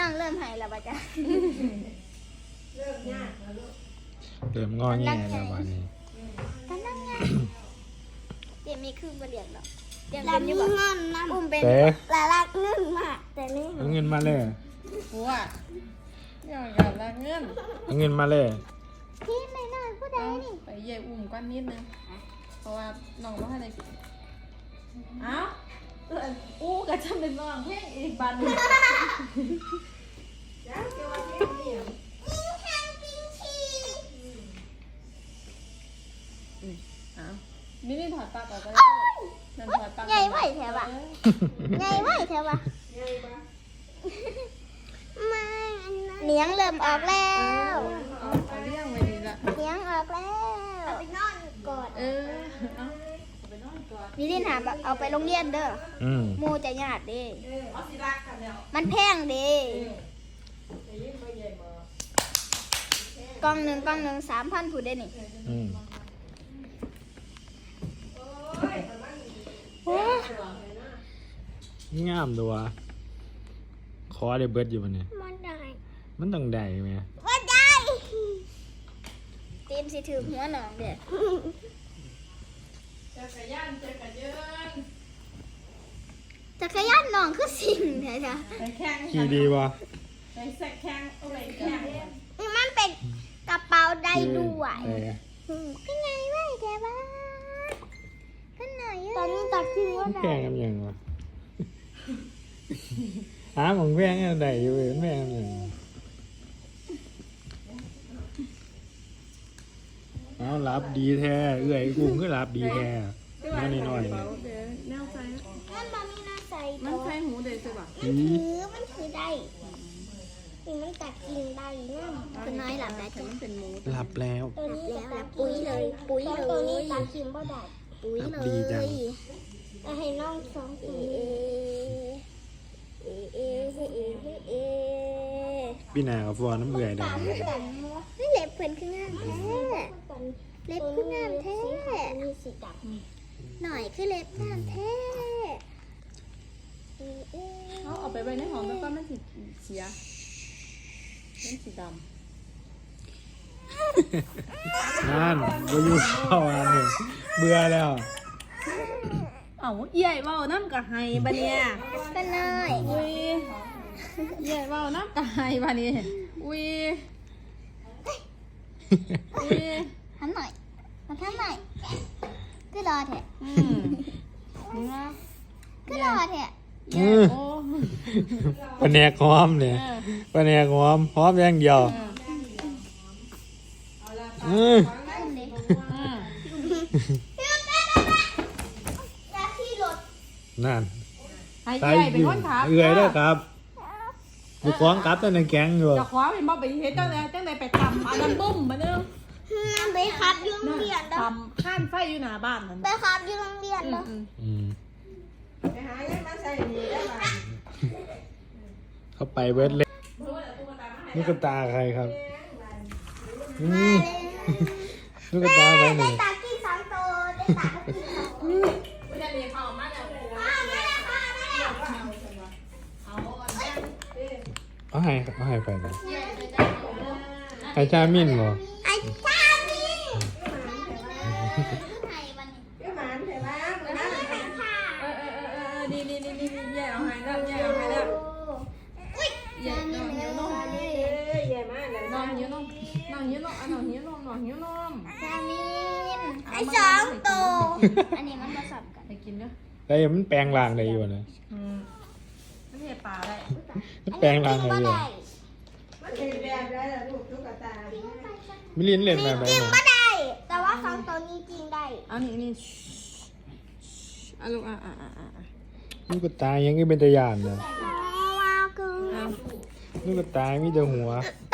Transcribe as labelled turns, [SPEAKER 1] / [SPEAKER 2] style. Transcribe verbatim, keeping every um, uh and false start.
[SPEAKER 1] องเริ่มหายแล้วป่ะจ๊ะ
[SPEAKER 2] เริ่มยากแล้วลูก
[SPEAKER 3] เริ่มงอแงแล้ววันนี้
[SPEAKER 1] กำลังไงเดี๋ยวมีคืนมาเรียนหรอกเดี๋ยว
[SPEAKER 4] แล้
[SPEAKER 1] เป็
[SPEAKER 4] วน
[SPEAKER 1] อ
[SPEAKER 4] มี
[SPEAKER 1] ยู่บ่
[SPEAKER 4] เงินนะ
[SPEAKER 1] อุ้มเป็น
[SPEAKER 3] แต่
[SPEAKER 4] และรักเงินมากแต่นี่
[SPEAKER 3] เอาเงินมาเลย
[SPEAKER 2] หัวอยากกับละเงิน
[SPEAKER 3] เอาเงินมาเลย
[SPEAKER 1] พี่ไม่น่าพูดได้นี่
[SPEAKER 2] ไปเย่อุ้มก้อนนิดนึงเพราะว่าน้องว่าให้ได้กินเอ้าเอออู้ก็จะเป็นน้องเพลงอีกบันหนึ่ง อ้าวนี่นี่ถอดปลั๊กออกไปแล้วนั่นถอดปลั๊ก
[SPEAKER 1] ใหญ่ไหวแถวะใหญ่ไหวแถวะ
[SPEAKER 4] ไม่อันนั้น
[SPEAKER 1] เนียงเริ่มออกแล้ว
[SPEAKER 2] เอาเอาเรื่องไว้ดีละ
[SPEAKER 1] เนียงออกแล้ว
[SPEAKER 4] ไปนอนก่อน
[SPEAKER 2] เออเอาไปนอนก่อน
[SPEAKER 1] นี่ลินหาเอาไปโรงเรียนเด้อ
[SPEAKER 3] อืม
[SPEAKER 1] หมูจะญาติเด้
[SPEAKER 2] เอาสิรักกันแล้ว
[SPEAKER 1] มันแพงเด้กล่องหนึ่งกล่องหนึ่งสามพันผู้ได้นี่
[SPEAKER 3] อืม
[SPEAKER 1] โอ้
[SPEAKER 3] งามตัวคอได้เบิดอยู่วันนี้
[SPEAKER 4] มันได้
[SPEAKER 3] มันต้องได้ไหม
[SPEAKER 4] ว่าได้
[SPEAKER 1] ตีนสิถือหัวหนองเด้อ
[SPEAKER 2] จักรยานจักรยาน
[SPEAKER 1] จักรยานหนองคือสิ่งแท้จ้ะ
[SPEAKER 2] ไปแข่ง
[SPEAKER 3] ขี่ดีวะ
[SPEAKER 2] ไปแสกแข่งเอาไปแข่ง
[SPEAKER 4] มันเป็นกระเป๋าได้ด้วย
[SPEAKER 3] เออ
[SPEAKER 1] ก็ไงไหวแถวะก็หน่อย
[SPEAKER 4] ตอนนี้ตัดทิ้งว่า
[SPEAKER 3] มัน
[SPEAKER 4] ได้
[SPEAKER 3] แพงกันยังวะหาของแพงกันได้อยู่เว้ยมันแพงกันยังเอารับดีแท้เอื้อยกูก็รับดีแท้น้อยน้อยๆ
[SPEAKER 2] เบา
[SPEAKER 3] เนี่ย
[SPEAKER 2] เดี๋ยวแนวไฟ
[SPEAKER 4] มันบอมีน่าใส่
[SPEAKER 2] มันไฟหูเด็กใช่ปะ
[SPEAKER 4] มันถือมันถือได้นี่มันตัดกินได้นะ
[SPEAKER 1] คุณน้อยหลับได้
[SPEAKER 2] แต่
[SPEAKER 1] จ้ะ
[SPEAKER 2] มันเป็นหมู
[SPEAKER 3] หลับแล้ว
[SPEAKER 4] ตัวนี้
[SPEAKER 1] แล้ว
[SPEAKER 4] ตั
[SPEAKER 1] แล้
[SPEAKER 4] ด
[SPEAKER 1] วปุ๋ยเลยปุ๋ย
[SPEAKER 4] เพราะ
[SPEAKER 1] เล
[SPEAKER 4] ตัวนี้
[SPEAKER 1] ย
[SPEAKER 4] ตัดกินบ่ได้
[SPEAKER 1] ปุ๋ย
[SPEAKER 3] ครับ
[SPEAKER 1] เล
[SPEAKER 3] ดีจัง
[SPEAKER 1] ย
[SPEAKER 4] แต่ให้น้องสอง
[SPEAKER 1] เอ
[SPEAKER 4] ปี
[SPEAKER 1] เอเอเอเอเอ
[SPEAKER 3] พี่นากับฟอนน้ำเอื่อยได้
[SPEAKER 4] ตามกันเนาะ
[SPEAKER 1] เฮ้ยเล็บเพิ่นคืองามแท้
[SPEAKER 4] กัน
[SPEAKER 1] เล็บคืองามแท้
[SPEAKER 4] สีขาวมีสีดำ
[SPEAKER 1] หน่อยคือเล็บงามแท้เอเอ
[SPEAKER 2] เขาเอาไปไว้ในห้องแล้วก็มันสิเสียมันสีดำ
[SPEAKER 3] นั่นก็อยู่เข้าอันหนึ่งเบื่อแล้ว
[SPEAKER 2] เอ้าใหญ่เว้าน้ำกะไฮบะเนี่ย
[SPEAKER 1] ก็น้อย
[SPEAKER 2] อุ้ยใหญ่เว้าน้ำกะไฮบะเนี่ยอุ้ยอุ้ย
[SPEAKER 1] ทำหน่อยมาทำหน่อยก็รอแท้
[SPEAKER 2] อืมนะ
[SPEAKER 1] ก็รอแท้
[SPEAKER 2] ใหญ่โอ้
[SPEAKER 3] ปนแนกหอมเนี่ยปนแนกหอมหอมอย่างเดียวอืม
[SPEAKER 1] อุ้มดิ
[SPEAKER 2] อืม
[SPEAKER 4] จะที่รถ
[SPEAKER 3] นั่น
[SPEAKER 2] ให้ใหญ่เป็นคนขับ
[SPEAKER 3] เอื่อยแล้วครับบุกของกลับตั้งแต่แก๊งอยู่
[SPEAKER 2] จะคว้าเป็นบ่ไปเฮ็ดจังได๋จังได๋ไปตำอันนั้นบุ้มมาเด้อ
[SPEAKER 4] น้ำไปครับอยู่โรงเรียนเด้อ
[SPEAKER 2] ตำข้านไฟอยู่หน้าบ้านนั่น
[SPEAKER 4] ไปครับอยู่โรงเรียน
[SPEAKER 2] อื
[SPEAKER 4] เด้อ
[SPEAKER 2] มอืม
[SPEAKER 3] อืม
[SPEAKER 2] ไปหายังมาใส่นี่ได้บ่
[SPEAKER 3] เขาไปเวทเลยลูกกระตาใครครับอืมลูกกระตาไปหนึ่ง
[SPEAKER 4] ตากินสองตัวได้ตาก็กินสองตัว
[SPEAKER 2] ไม่ได้เรียนเข้ามาแล้ว
[SPEAKER 4] อ้าวมาแล้วค่ะมาแล้ว
[SPEAKER 3] เอาให้เอาให้ไปนะไอ้ชามินเหรอ
[SPEAKER 4] ไอ้ชามี
[SPEAKER 1] ให้วันนี้
[SPEAKER 2] เดี๋ยวหมานเถอะว่ามื้อนั้น
[SPEAKER 4] ค่ะ
[SPEAKER 2] เออเออเออเออนี่นี่นี่นี่แย่เอาให้แล้วแย่เอาให้แล้วแย่น้องหิวนมแย่มาแล้วน้องหิวนมน้องหิวนมอ่ะน้องหิวนมน้องหิวนม
[SPEAKER 1] จามิน
[SPEAKER 4] ไอ้สองตัว
[SPEAKER 1] อันนี้มันผสมกัน
[SPEAKER 2] ไปกินเด้อ
[SPEAKER 3] แต่มันแปลงร่างได้อยู่นะ
[SPEAKER 2] อืมไม่ใช่ปลาได้
[SPEAKER 3] มันแปลงร่างได้อยู่
[SPEAKER 2] มันเป็นแบบได้ล่ะลูกตุ๊กตา
[SPEAKER 3] มิลินเล่นแบบไหน
[SPEAKER 4] จริง
[SPEAKER 3] เนี่ย
[SPEAKER 4] ไม่ได้ แต่ว่าสองตัวนี้จริงได้
[SPEAKER 2] อันนี้นี่อ่ะลูกอ่ะอ่ะอ่ะอ่ะ
[SPEAKER 3] ลูกกระตายังก็เป็นตะยานนะ
[SPEAKER 4] ว้าวกู
[SPEAKER 2] อ่ะ
[SPEAKER 3] ลูกกระตามีแต่หัว
[SPEAKER 2] อ